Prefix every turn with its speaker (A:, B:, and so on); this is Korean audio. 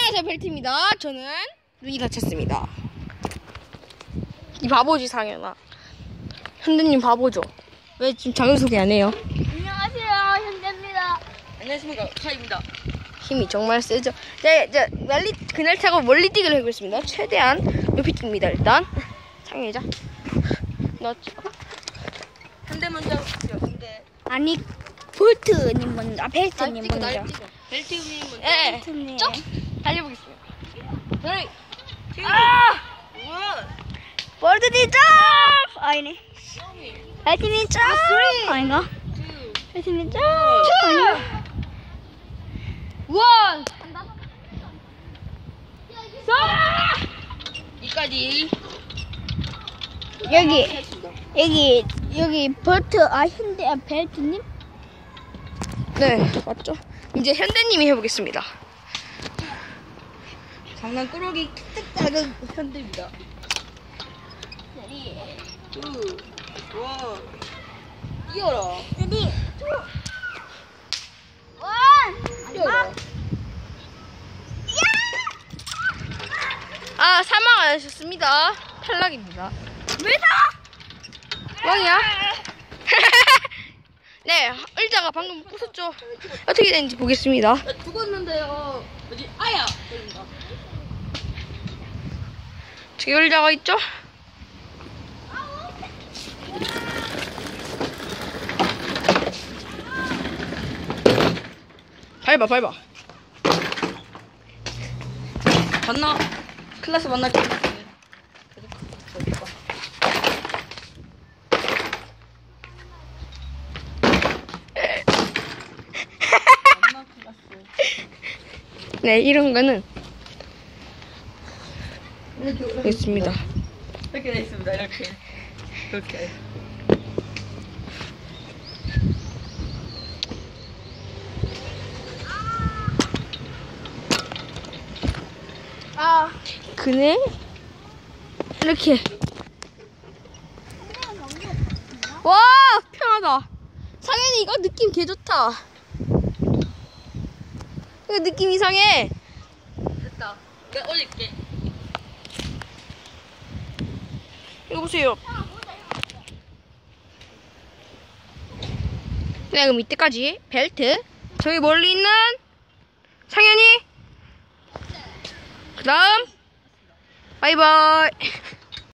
A: 안녕하세요, 벨트입니다. 저는 눈이 다쳤습니다. 이 바보지, 상현아. 현대님 바보죠? 왜 지금 자기소개 안 해요?
B: 안녕하세요, 현대입니다.
C: 안녕하십니까, 카입니다.
A: 힘이 정말 세죠? 네, 그날 타고 멀리 뛰기를 해보겠습니다. 최대한 높이 뜁니다, 일단. 상현이자. 넣었죠.
C: 현대 먼저 하십시오, 현대.
B: 아니, 볼트님 먼저, 벨트님 먼저.
C: 벨트님 먼저.
A: 예,
B: 벨트님.
A: 쭉 달려보겠습니다. 저희,
B: 볼트님 점! 아니네. 벨트님 점! 아닌가? 벨트님 점! 아닌가?
A: 원!
C: 이까지.
B: 여기 볼트, 현대, 벨트님?
A: 네, 맞죠? 이제 현대님이 해보겠습니다.
C: 장난꾸러기 킥 작은 현대입니다. 2, 1. 뛰어라.
B: 레디,
C: 뛰어라.
A: 아, 사망 안 하셨습니다. 탈락입니다.
B: 왜 사?
A: 왕이야? 네, 의자가 방금 부쉈죠? 어떻게 되는지 보겠습니다.
C: 나 죽었는데요. 뭐지? 아야! 그런가?
A: 저기 의자가 있죠? 밟아.
C: 봤나? 클래스 만날게.
A: 네, 이런 거는 있습니다.
C: 이렇게 돼 있습니다. 이렇게.
A: 그네 이렇게. 와, 편하다. 상현이 이거 느낌 개 좋다. 이거 느낌 이상해.
C: 됐다. 내가 올릴게.
A: 이거 보세요. 네, 그럼 이때까지 벨트. 저기 멀리 있는 상현이. 그 다음 바이바이.